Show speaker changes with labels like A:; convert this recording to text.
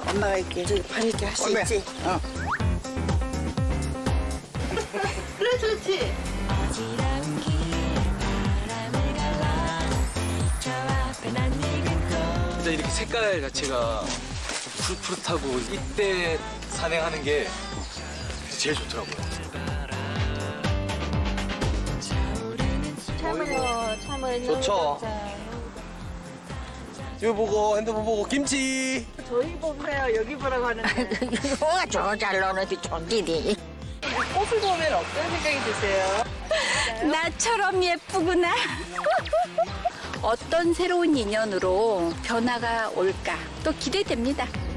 A: 엄마가 이렇게 저기 발 이렇게 할 수
B: 올메.
A: 있지?
B: 어.
A: 그래 좋지.
C: 진짜 이렇게 색깔 자체가 푸릇푸릇하고 이때 산행하는 게 제일 좋더라고요.
A: 참을요.
B: 좋죠. 이거 보고 핸드폰 보고 김치.
A: 저희 보세요. 여기 보라고 하는데.
D: 뭐가 저잘 노는데 존디디.
A: 꽃을 보면 어떤 생각이 드세요?
E: 나처럼 예쁘구나. 어떤 새로운 인연으로 변화가 올까 또 기대됩니다.